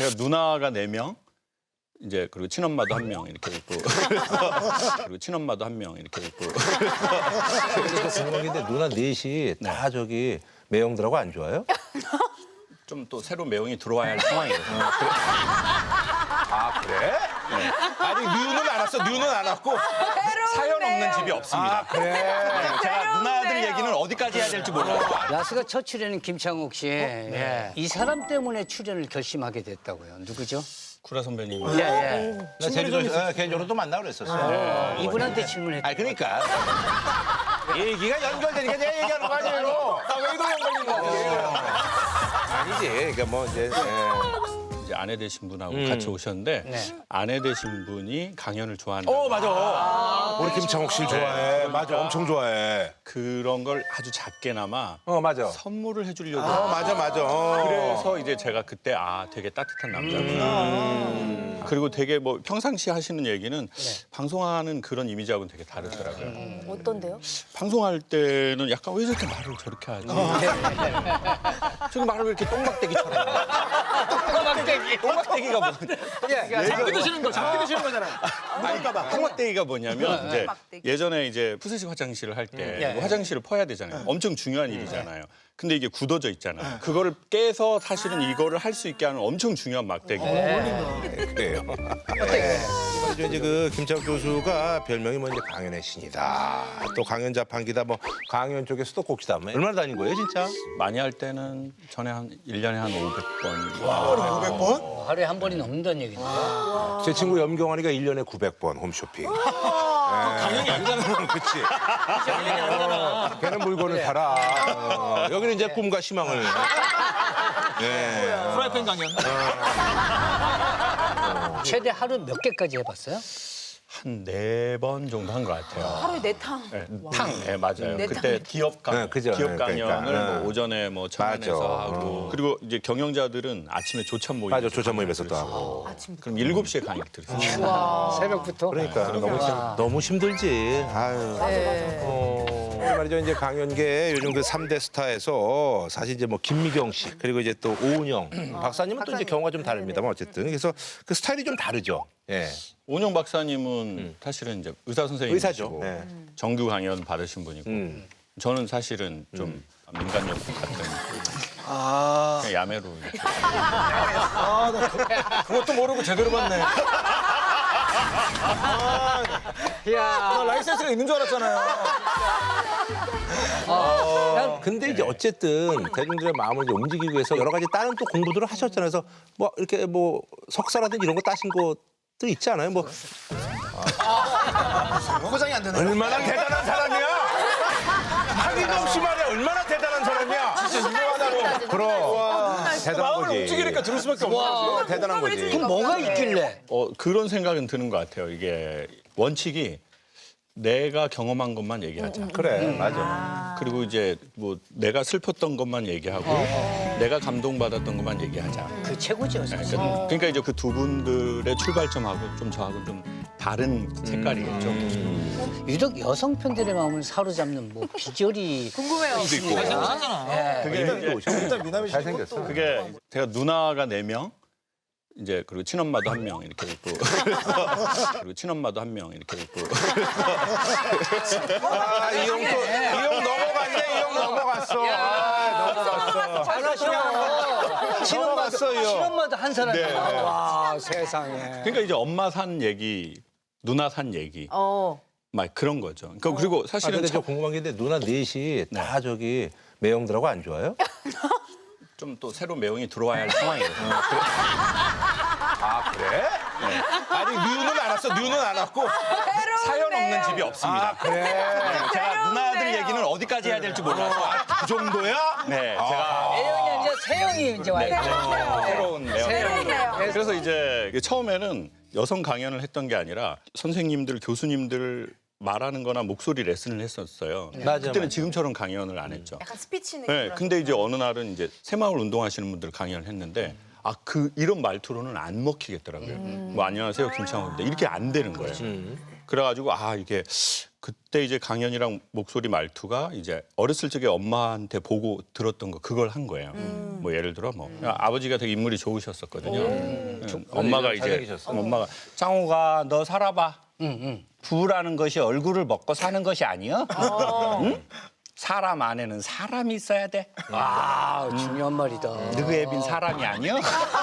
제가 누나가 4명, 이제 그리고 친엄마도 1명 이렇게 있고, 그리고 친엄마도 1명 이렇게 있고. 그러니까 궁금한 게 있는데 누나 넷이 다 저기 매형들하고 안 좋아요? 좀 또 새로 매형이 들어와야 할 상황이거든요. 아 그래? 아니 뉴는 안 왔어. 뉴는 안 왔고. 사연 없는 집이 없습니다. 아 그래. 제가 누나들 얘기는 어디까지 해야 될지 몰라요. 야스가 첫 출연인 김창욱 씨. 예. 이 사람 때문에 출연을 결심하게 됐다고요. 누구죠? 구라 선배님. 예, 예. 나 개인적으로 또 만나고 그랬었어. 이분한테 질문했다. 아 그러니까 얘기가 연결되니까 내가 얘기하는 거 아니에요. 왜도 연결인 거 같아. 아니지. 그러니까 뭐 이제 이제 아내 되신 분하고 같이 오셨는데 네. 아내 되신 분이 강연을 좋아한다. 맞아. 우리 김창욱 씨 좋아해. 맞아. 엄청 좋아해. 그런 걸 아주 작게나마 맞아. 선물을 해주려고. 맞아. 그래서 이제 제가 그때 되게 따뜻한 남자구나. 그리고 되게 뭐 평상시 하시는 얘기는 방송하는 그런 이미지하고는 되게 다르더라고요. 어떤데요? 방송할 때는 약간 왜 저렇게 말을 저렇게 하지? 저기 말을 왜 이렇게 똥박대기처럼. 똥박대기가 뭐? 잡기 드시는 거잖아. 똥박대기가 뭐냐면 이제 예전에 이제 푸세식 화장실을 할 때 화장실을 퍼야 되잖아요. 엄청 중요한 일이잖아요. 근데 이게 굳어져 있잖아요. 그거를 깨서 사실은 이거를 할 수 있게 하는 엄청 중요한 막대기예요. 그래요. 말이죠. 이제 그 김창욱 교수가 별명이 뭐 이제 강연의 신이다. 또 강연 자판기다. 뭐 강연 쪽에 수도꼭지다. 뭐 얼마나 다닌 거예요, 진짜? 많이 할 때는 전에 한 1년에 한 500번. 하루에 한 번이 넘는다는 얘기인데. 제 친구 염경환이가 1년에 900번 홈쇼핑. 강연이 아니잖아. 그치. 걔는 물건을 팔아. 여기는 이제 꿈과 희망을. 프라이팬 강연. 최대 하루 몇 개까지 해봤어요? 한 4번 정도 한 것 같아요. 하루에 4탕. 네, 네, 맞아요. 네, 그때 기업 강연, 네, 그죠. 기업 네, 강연을 그러니까. 뭐 오전에 뭐 천안에서 맞아. 하고 그리고 이제 경영자들은 아침에 조찬 모임. 맞아, 조찬 모임에서 또 하고. 그럼 7시에 강의 들었어요. 새벽부터? 그러니까 너무 힘들지. 아유. 말이죠. 이제 강연계 요즘 그 3대 스타에서 사실 이제 뭐 김미경 씨 그리고 이제 또 오은영 박사님은 또 이제 경우가 좀 다릅니다만 어쨌든 그래서 그 스타일이 좀 다르죠. 예. 오은영 박사님은 사실은 이제 의사 선생님이시고 의사죠. 네. 정규 강연 받으신 분이고 저는 사실은 좀 민간요법 같은 그냥 야매로 이렇게. 그것도 모르고 제대로 봤네. 나 라이센스가 있는 줄 알았잖아요. 근데 이제 어쨌든 대중들의 마음을 이제 움직이기 위해서 여러 가지 다른 또 공부들을 하셨잖아요. 그래서 뭐 이렇게 뭐 석사라든지 이런 거 따신 것도 있지 않아요? 뭐 포장이 안 되네. 얼마나 대단한 사람이야? 하기도 없이 말해. 얼마나 대단한 사람이야? 진짜 유명하다고. 그럼 대단한 마음을 거지. 움직이니까 들을 수밖에 없어. 대단한 거지. 그럼 뭐가 있길래? 그런 생각은 드는 것 같아요. 이게 원칙이 내가 경험한 것만 얘기하자. 그래, 맞아. 그리고 이제 뭐 내가 슬펐던 것만 얘기하고 내가 감동받았던 것만 얘기하자. 그 최고죠, 사실. 그러니까 이제 그 두 분들의 출발점하고 좀 저하고는 좀 다른 색깔이겠죠. 유독 여성 팬들의 마음을 사로잡는 뭐 비결이 궁금해요. 그게 이제 일단 미남이 잘생겼어. 그게 제가 누나가 4명, 이제 그리고 친엄마도 1명 이렇게 있고, 그리고 친엄마도 1명 이렇게 있고. 이 형 넘어갔네. 이 형 넘어갔어. 넘어갔어, 이 형. 친엄마도 한 사람이 네. 와, 세상에. 그러니까 이제 엄마 산 얘기, 누나 산 얘기, 막 그런 거죠. 그러니까 그리고 사실은 근데 저 궁금한 게 있는데 누나 넷이 다 저기 매형들하고 안 좋아요? 좀 또 새로 매형이 들어와야 할 상황이거든요. 아 그래? 아니 뉴는 안 왔어. 뉴는 안 왔고. 사연 없는 집이 없습니다. 그래. 제가 누나들 얘기는 어디까지 해야 될지 몰라서 그 정도야? 네, 제가 애형이 아니라 새형이 이제 와요. 새로운 매형. 새로운데요. 그래서 이제 처음에는 여성 강연을 했던 게 아니라 선생님들, 교수님들 말하는 거나 목소리 레슨을 했었어요. 그때는 지금처럼 강연을 안 했죠. 약간 스피치 느낌. 네, 근데 이제 어느 날은 이제 새마을 운동하시는 분들 강연을 했는데 이런 말투로는 안 먹히겠더라고요. 뭐 안녕하세요 김창호입니다. 이렇게 안 되는 거예요. 그래가지고 이게 그때 이제 강연이랑 목소리 말투가 이제 어렸을 적에 엄마한테 보고 들었던 거 그걸 한 거예요. 뭐 예를 들어 뭐 아버지가 되게 인물이 좋으셨었거든요. 엄마가 이제 엄마가 장호가 너 살아봐. 부라는 것이 얼굴을 먹고 사는 것이 아니여. 응? 사람 안에는 사람이 있어야 돼. 아, 중요한 말이다. 너그 애빈 사람이 아니여.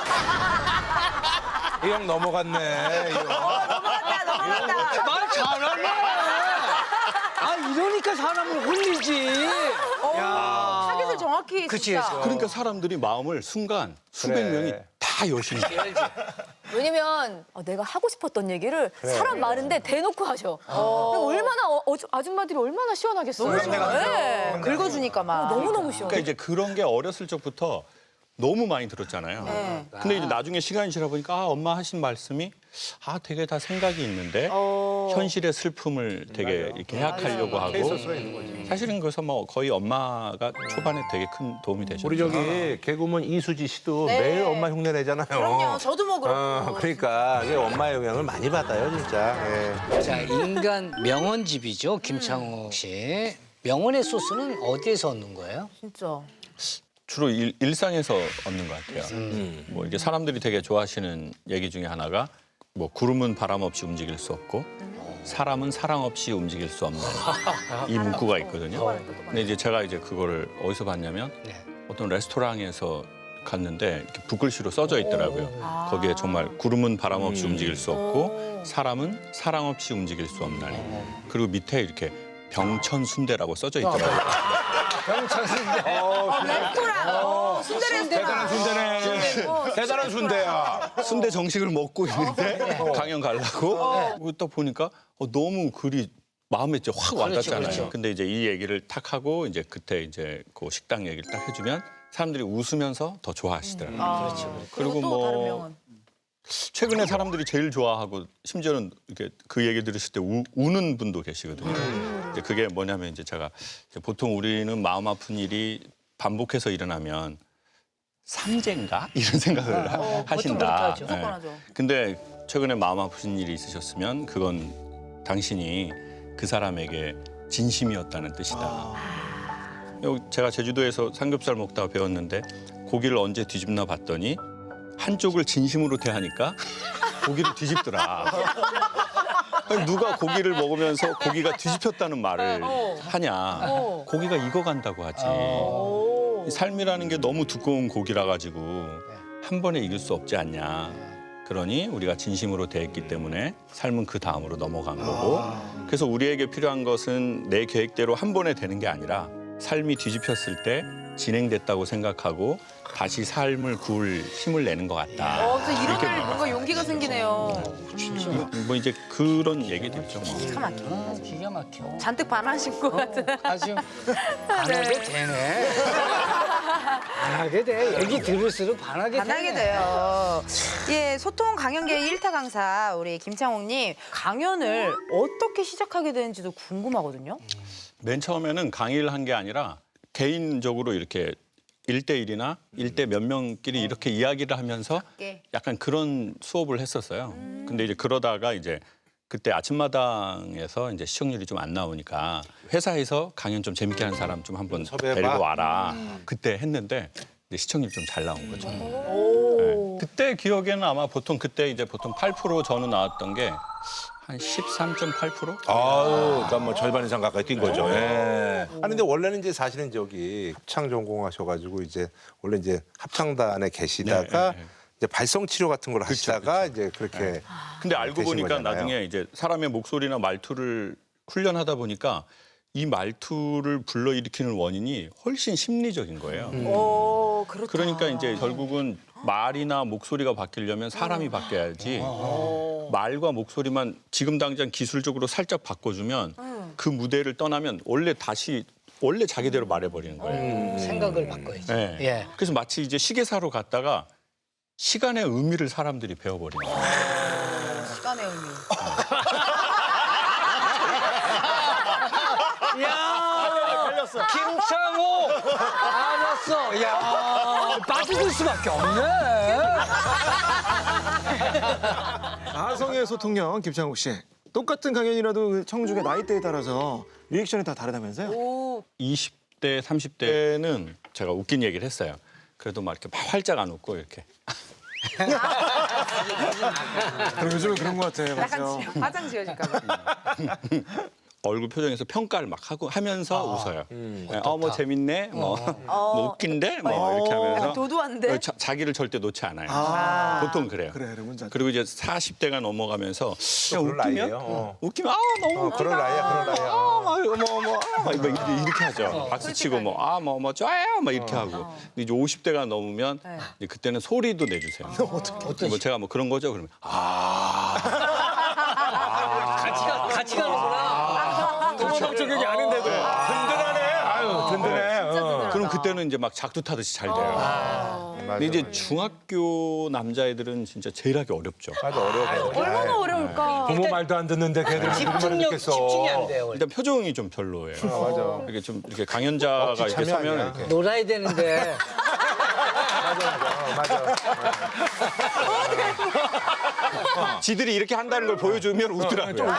이 형 넘어갔네. 이 형. 넘어갔다. 말 잘하네. 아, 이러니까 사람을 홀리지. 타겟을 정확히 그치, 진짜. 그러니까 사람들이 마음을 순간 수백 그래. 명이 다 여신 거예요. 왜냐면 내가 하고 싶었던 얘기를 사람 많은데 대놓고 하셔. 얼마나 아줌마들이 얼마나 시원하겠어요. 네. 긁어주니까 막. 너무너무 시원해. 그러니까 이제 그런 게 어렸을 적부터 너무 많이 들었잖아요. 네. 근데 이제 나중에 시간이 지나 보니까 아, 엄마 하신 말씀이 아 되게 다 생각이 있는데 현실의 슬픔을 되게 이렇게 해악하려고 하고 사실은 그래서 뭐 거의 엄마가 초반에 되게 큰 도움이 되셨죠. 우리 저기 개그우먼 이수지 씨도 네. 매일 엄마 흉내 내잖아요. 그럼요. 저도 뭐 그렇고. 그러니까 이게 엄마의 영향을 많이 받아요, 진짜. 예. 자, 인간 명언집이죠, 김창욱 씨. 명언의 소스는 어디에서 얻는 거예요? 진짜. 주로 일상에서 얻는 것 같아요. 뭐 이게 사람들이 되게 좋아하시는 얘기 중에 하나가 뭐 구름은 바람 없이 움직일 수 없고 사람은 사랑 없이 움직일 수 없는 이 문구가 있거든요. 근데 이제 제가 이제 그거를 어디서 봤냐면 어떤 레스토랑에서 갔는데 이렇게 붓글씨로 써져 있더라고요. 거기에 정말 구름은 바람 없이 움직일 수 없고 사람은 사랑 없이 움직일 수 없나니. 그리고 밑에 이렇게 병천순대라고 써져 있더라고요. 레스토랑. 순대 레스토랑. 순대네. 대단한 순대야. 순대 정식을 먹고 있는데 강연 가려고 그리고 딱 보니까 너무 글이 마음에 이제 확 와닿잖아요. 그렇죠. 근데 이제 이 얘기를 탁 하고 이제 그때 이제 그 식당 얘기를 딱 해주면 사람들이 웃으면서 더 좋아하시더라고요. 그렇죠. 그리고 또 다른 뭐 명언. 최근에 사람들이 제일 좋아하고 심지어는 이렇게 그 얘기 들으실 때 우는 분도 계시거든요. 이제 그게 뭐냐면 이제 제가 이제 보통 우리는 마음 아픈 일이 반복해서 일어나면 삼재인가 이런 생각을 하신다. 그렇게 하죠. 무조건 하죠. 근데 최근에 마음 아프신 일이 있으셨으면 그건 당신이 그 사람에게 진심이었다는 뜻이다. 제가 제주도에서 삼겹살 먹다가 배웠는데 고기를 언제 뒤집나 봤더니 한쪽을 진심으로 대하니까 고기를 뒤집더라. 아니, 누가 고기를 먹으면서 고기가 뒤집혔다는 말을 하냐. 고기가 익어간다고 하지. 이 삶이라는 게 너무 두꺼운 고기라 가지고 한 번에 이길 수 없지 않냐. 그러니 우리가 진심으로 대했기 때문에 삶은 그 다음으로 넘어간 거고 그래서 우리에게 필요한 것은 내 계획대로 한 번에 되는 게 아니라 삶이 뒤집혔을 때 진행됐다고 생각하고 다시 삶을 구울 힘을 내는 것 같다. 그래서 일어날 뭔가 용기가 생기네요. 뭐 이제 그런 얘기들죠. 뭐. 기가 막혀. 기가 막혀. 잔뜩 반하신 것 같은. 아주 안 하게 되네. 안 하게 돼. 얘기 들을수록 반하게 반하게 되네. 돼요. 예, 소통 강연계의 1타 강사 우리 김창옥님 강연을 어떻게 시작하게 되는지도 궁금하거든요. 맨 처음에는 강의를 한 게 아니라 개인적으로 이렇게 1대1이나 1대 몇 명끼리 이렇게 이야기를 하면서 약간 그런 수업을 했었어요. 근데 이제 그러다가 이제 그때 아침마당에서 이제 시청률이 좀 안 나오니까 회사에서 강연 좀 재밌게 하는 사람 좀 한번 섭외해봐. 데리고 와라. 그때 했는데 이제 시청률이 좀 잘 나온 거죠. 네. 그때 기억에는 아마 보통 그때 이제 보통 8% 전후 나왔던 게 한 13.8%? 아우, 그러니까 뭐 절반 이상 가까이 뛴 거죠. 예. 아니 근데 원래는 이제 사실은 저기 합창 전공하셔가지고 이제 원래 이제 합창단에 계시다가 이제 발성 치료 같은 걸 하시다가 이제 그렇게. 근데 알고 되신 보니까 거잖아요. 나중에 이제 사람의 목소리나 말투를 훈련하다 보니까 이 말투를 불러일으키는 원인이 훨씬 심리적인 거예요. 오, 그렇다. 그러니까 이제 결국은 말이나 목소리가 바뀌려면 사람이 바뀌어야지 말과 목소리만 지금 당장 기술적으로 살짝 바꿔주면 그 무대를 떠나면 원래 자기대로 말해버리는 거예요. 생각을 바꿔야지. 네. 예. 그래서 마치 이제 시계사로 갔다가 시간의 의미를 사람들이 배워버리는 거예요. 시간의 의미. 야, 김창호 알았어. 야, 빠져들 수밖에 없네. 아성의 소통령 김창욱 씨. 똑같은 강연이라도 그 청중의 나이대에 따라서 리액션이 다 다르다면서요? 20대, 30대는 제가 웃긴 얘기를 했어요. 그래도 막 이렇게 막 활짝 안 웃고 이렇게. 그럼 요즘은 그런 것 같아요. 맞죠? 약간 화장 지워질까 봐. 얼굴 표정에서 평가를 막 하면서 웃어요. 뭐 재밌네, 뭐 웃긴데, 뭐 이렇게 하면서 약간 도도한데? 자기를 절대 놓지 않아요. 보통 그래요. 그래, 뭔지 알죠. 그리고 이제 40대가 넘어가면서 그냥 그럴 나이예요. 웃기면 너무 웃기다. 그럴 나이야, 그럴 나이야. 막 이렇게 하죠. 박수 치고 뭐 좋아요, 막 이렇게 하고. 근데 이제 50대가 넘으면 이제 그때는 소리도 내주세요. 뭐 제가 뭐 그런 거죠. 그러면 같이 가는구나. 도덕적이지 않은데도 든든하네. 아유, 든든해. 그럼 그때는 이제 막 작두 타듯이 잘 돼요. 근데 이제 중학교 남자애들은 진짜 제일 하기 어렵죠. 맞아, 어려워. 얼마나 어려울까. 부모 말도 안 듣는데 걔들 집중이 안 돼요. 일단 표정이 좀 별로예요. 맞아. 이렇게 좀 이렇게 강연자가 이렇게 참여 서면 아니야. 이렇게 놀아야 되는데. 맞아. 지들이 이렇게 한다는 걸 보여주면 웃더라고요.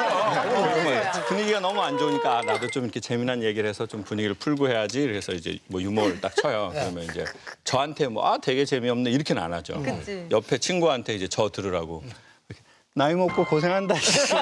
분위기가 너무 안 좋으니까 나도 좀 이렇게 재미난 얘기를 해서 좀 분위기를 풀고 해야지. 그래서 이제 뭐 유머를 딱 쳐요. 그러면 이제 저한테 뭐 되게 재미없네 이렇게는 안 하죠. 그치. 옆에 친구한테 이제 저 들으라고 이렇게, 나이 먹고 고생한다.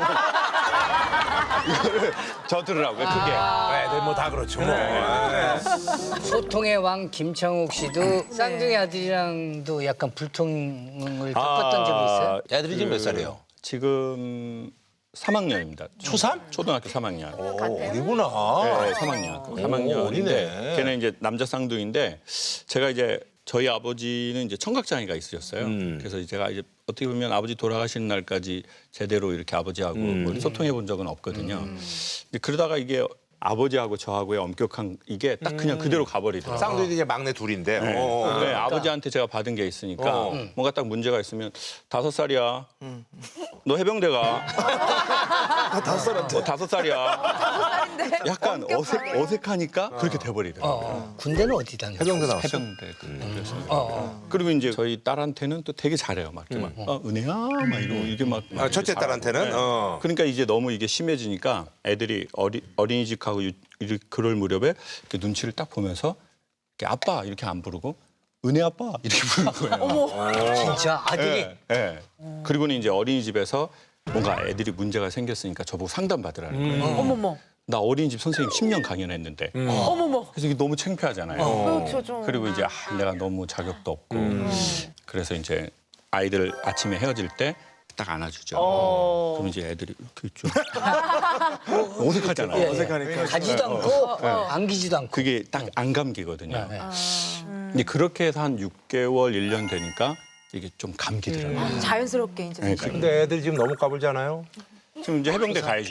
이거를 저 들으라고요. 크게. 애들 뭐 다 그렇죠. 뭐. 소통의 왕 김창욱 씨도 쌍둥이 아들이랑도 약간 불통을 겪었던 적이 있어요? 애들이 지금 몇 살이에요? 지금 3학년입니다. 초3? 초등학교 3학년. 어리구나. 네, 3학년. 3학년인데 어리네. 걔는 이제 남자 쌍둥이인데 제가 이제 저희 아버지는 이제 청각장애가 있으셨어요. 그래서 제가 이제 어떻게 보면 아버지 돌아가시는 날까지 제대로 이렇게 아버지하고 뭐 소통해 본 적은 없거든요. 근데 그러다가 이게 아버지하고 저하고의 엄격한 이게 딱 그냥 그대로 가버리더라고요. 쌍둥이들 이제 막내 둘인데. 네, 아버지한테 제가 받은 게 있으니까 뭔가 딱 문제가 있으면 5살이야. 너 해병대 가. 5살한테. 5살이야. 약간 엄격하게. 어색하니까 그렇게 돼버리더라고요. 군대는 어디 다녔어요? 해병대 나왔어? 해병대 그랬어요. 그리고 이제 저희 딸한테는 또 되게 잘해요. 막 이렇게 막 은혜야 막 이게 막 첫째 잘하고. 딸한테는? 네. 그러니까 이제 너무 이게 심해지니까 애들이 어린이집하고 그럴 무렵에 이렇게 눈치를 딱 보면서 이렇게 아빠 이렇게 안 부르고 은혜 아빠 이렇게 부르는 거예요. 진짜 아들이? 네. 그리고는 이제 어린이집에서 뭔가 애들이 문제가 생겼으니까 저보고 상담 받으라는 거예요. 어머머. 나 어린이집 선생님 10년 강연했는데. 어머머. 그래서 이게 너무 창피하잖아요. 그렇죠, 좀. 그리고 이제 내가 너무 자격도 없고. 그래서 이제 아이들 아침에 헤어질 때 딱 안아주죠. 그럼 이제 애들이 이렇게 있죠. 어색하잖아요. 어색하니까. 가지도 않고 안기지도 않고. 그게 딱 안 감기거든요. 근데 그렇게 해서 한 6개월, 1년 되니까 이게 좀 감기더라고요. 자연스럽게 이제. 네, 근데 애들 지금 너무 까불잖아요. 지금 이제 해병대 가야죠.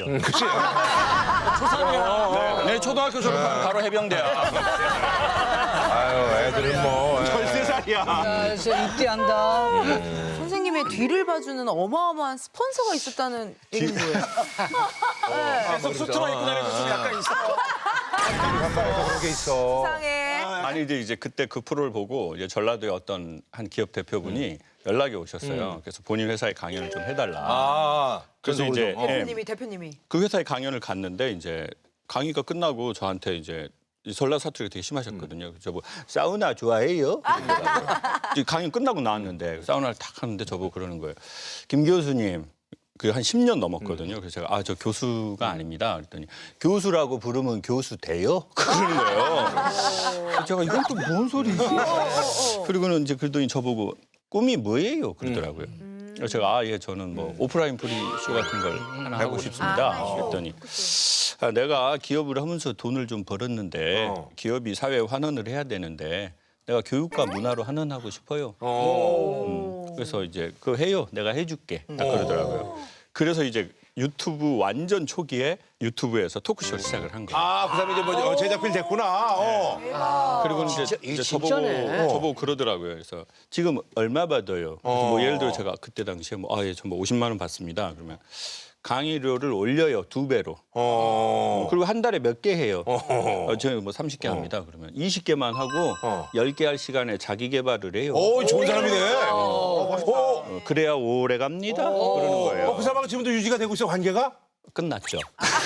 초등학교. 네, 초등학교 졸업하면 바로 해병대야. 아유, 애들은 뭐. 13살이야. 그래서 입대한다. 선생님의 뒤를 봐주는 어마어마한 스폰서가 있었다는 얘기는 뭐예요? 계속 수트만 입고 다니는 좀 약간 있어. 그런 게 있어. 이상해. 아니 이제 그때 그 프로를 보고 이제 전라도의 어떤 한 기업 대표분이 연락이 오셨어요. 그래서 본인 회사에 강연을 좀 해달라. 그래서 이제 대표님이. 그 회사에 강연을 갔는데 이제 강의가 끝나고 저한테 이제 이 전라 사투리가 되게 심하셨거든요. 저보고 사우나 좋아해요? 강연 끝나고 나왔는데 사우나를 탁 하는데 저보고 그러는 거예요. 김 교수님. 그 한 10년 넘었거든요. 그래서 제가 저 교수가 아닙니다. 그랬더니 교수라고 부르면 교수 돼요? 그러는 거예요. 제가 이건 또 뭔 소리지? 그리고는 이제 그러더니 저보고 꿈이 뭐예요? 그러더라고요. 그래서 제가 예 저는 뭐 오프라인 프리쇼 같은 걸 하나 하고 싶습니다. 그랬더니 내가 기업을 하면서 돈을 좀 벌었는데 기업이 사회에 환원을 해야 되는데 내가 교육과 문화로 환원하고 싶어요. 그래서 이제 그거 해요. 내가 해줄게. 딱 그러더라고요. 그래서 이제 유튜브 완전 초기에 유튜브에서 토크쇼를 시작을 한 거예요. 아, 그 다음에 이제 뭐 제작필 됐구나. 그리고 이제 저보고 그러더라고요. 그래서 지금 얼마 받아요? 그래서 뭐 예를 들어 제가 그때 당시에 뭐 예, 저 뭐 50만 원 받습니다. 그러면 강의료를 올려요. 2배로. 그리고 한 달에 몇 개 해요. 저희 뭐 30개 합니다. 그러면 20개만 하고 10개 할 시간에 자기 개발을 해요. 오, 좋은 사람이네. 그래야 오래 갑니다. 그러는 거예요. 그 사람하고 지금도 유지가 되고 있어 관계가? 끝났죠.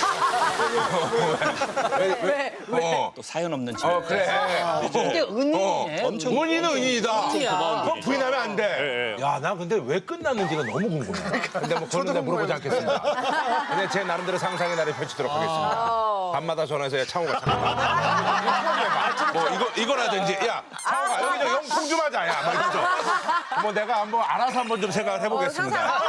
왜? 또 사연 없는 친구. 그래. 근데 은인이네. 엄청 은희는 은희다. 은희야. 그건 부인하면 안 돼. 야, 나 근데 왜 끝났는지가 너무 궁금해. 근데 뭐 그런 데 물어보지 않겠습니다. 근데 제 나름대로 상상의 날을 펼치도록 하겠습니다. 밤마다 전화해서 야, 창호가 잠깐만. 뭐 이거라든지 야, 창호가 여기 저 영통 좀 하자. 야, 뭐 이러죠. 뭐 내가 한번 알아서 한번 좀 생각을 해보겠습니다.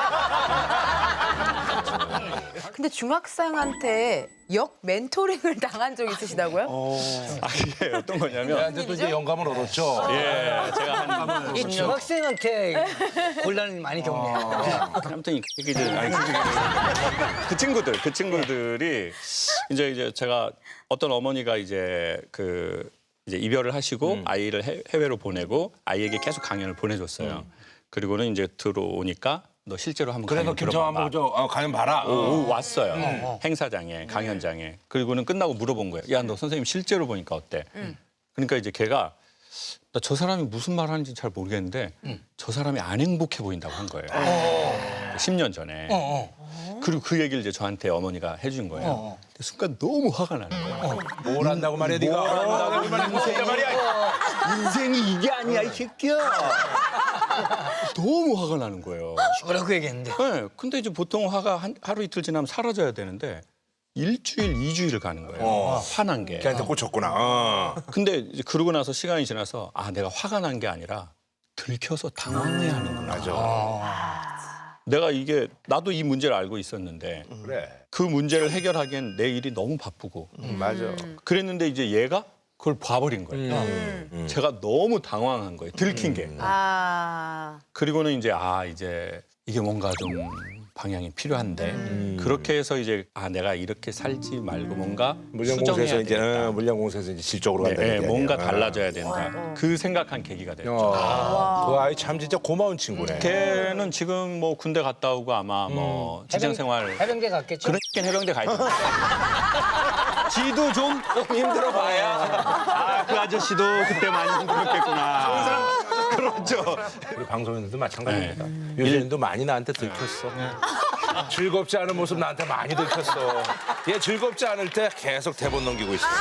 근데 중학생한테 역 멘토링을 당한 적 있으시다고요? 이게 어떤 거냐면 근데 또 이제 영감을 얻었죠. 예, 제가 한 이 10년 중학생한테 곤란을 많이 겪네요. 아무튼 이게 이제 그 친구들이 이제 제가 어떤 어머니가 이제 이제 이별을 하시고 아이를 해외로 보내고 아이에게 계속 강연을 보내줬어요. 그리고는 이제 들어오니까 너 실제로 한번 그래서 강연 김창호 들어봐봐. 한번 가면 봐라. 왔어요. 행사장에, 강연장에. 그리고는 끝나고 물어본 거예요. 야, 너 선생님 실제로 보니까 어때? 그러니까 이제 걔가 나 저 사람이 무슨 말 하는지 잘 모르겠는데 저 사람이 안 행복해 보인다고 한 거예요. 10년 전에. 그리고 그 얘기를 이제 저한테 어머니가 해준 거예요. 근데 순간 너무 화가 나는 거예요. 뭘 안다고 말이야, 네가. 뭘 안다고 말이야. 인생이 이게 아니야, 이 새끼야. 너무 화가 나는 거예요. 뭐라고 얘기했는데. 네, 근데 이제 보통 화가 하루 이틀 지나면 사라져야 되는데 일주일, 2주일 가는 거예요. 화난 게. 걔한테 꽂혔구나. 근데 이제 그러고 나서 시간이 지나서 아, 내가 화가 난 게 아니라 들켜서 당황해야 하는구나. 맞아. 내가 이게 나도 이 문제를 알고 있었는데 그래. 그 문제를 해결하기엔 내 일이 너무 바쁘고 맞아. 그랬는데 이제 얘가 그걸 봐버린 거예요. 제가 너무 당황한 거예요. 들킨 게. 그리고는 이제 이게 뭔가 좀 방향이 필요한데 그렇게 해서 이제 내가 이렇게 살지 말고 뭔가 물량공사에서 수정해야 이제 되겠다. 물량공사에서 이제 질적으로 간다. 네, 뭔가 달라져야 된다. 그 생각한 계기가 됐죠. 그 아이 참 진짜 고마운 친구네. 걔는 지금 뭐 군대 갔다 오고 아마 뭐 직장 생활 해병대 갔겠죠? 그러니까 해병대 가야 돼. 지도 좀 힘들어 봐야 그 아저씨도 그때 많이 힘들었겠구나. 그렇죠. 우리 방송인들도 마찬가지입니다. 유진도 많이 나한테 들켰어. 즐겁지 않은 모습 나한테 많이 들켰어. 얘 즐겁지 않을 때 계속 대본 넘기고 있어.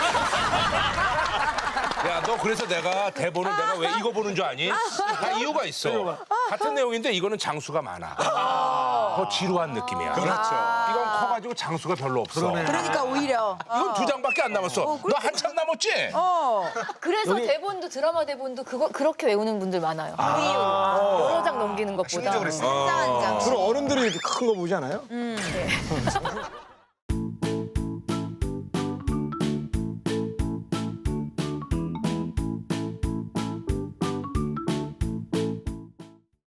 야, 너 그래서 내가 대본을 내가 왜 이거 보는 줄 아니? 다 이유가 있어. 같은 내용인데 이거는 장수가 많아. 더 지루한 느낌이야. 그렇죠. 이건 커가지고 장수가 별로 없어. 그러니까 오히려. 이건 2장밖에 안 남았어. 너 한참 남았지? 그래서 대본도 드라마 대본도 그렇게 외우는 분들 많아요. 그 이유로. 여러 장 넘기는 것보다. 한 장. 주로 어른들이 이렇게 큰 거 보지 않아요?